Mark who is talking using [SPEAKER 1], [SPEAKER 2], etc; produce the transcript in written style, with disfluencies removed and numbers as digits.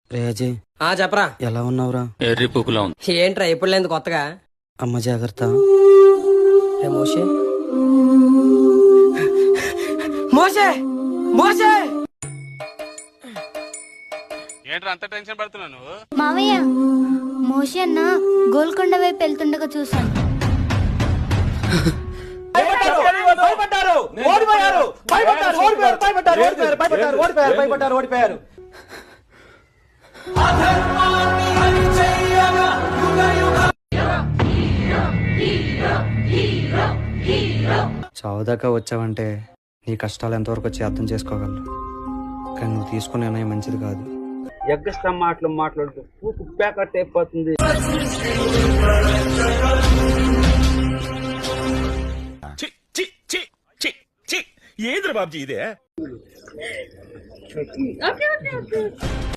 [SPEAKER 1] రే అజయ్,
[SPEAKER 2] చెప్పరా.
[SPEAKER 1] ఎలా ఉన్నావురా?
[SPEAKER 3] ఎర్రి పుకులా ఉంది.
[SPEAKER 2] ఏంట్రా ఎప్పుడు లేదు కొత్తగా?
[SPEAKER 1] అమ్మ జాగ్రత్త.
[SPEAKER 2] రే మోషే మోషే మోషే
[SPEAKER 3] ఏంట్రా అంత టెన్షన్ పడుతున్నావు నువ్వు?
[SPEAKER 4] మావయ్య, మోషి అన్న గోల్కొండ వైపు వెళ్తుండగా చూశాను.
[SPEAKER 1] చావుదాకా వచ్చావంటే నీ కష్టాలు ఎంతవరకు వచ్చి అర్థం చేసుకోగలను. కానీ నువ్వు తీసుకునే నిర్ణయం మంచిది కాదు.
[SPEAKER 5] ఎగ్గస్తా మాట్లాడుతూ పూకు ప్యాకెట్ అయిపోతుంది.
[SPEAKER 6] ఏంద్ర బాబ్జీ ఇదే?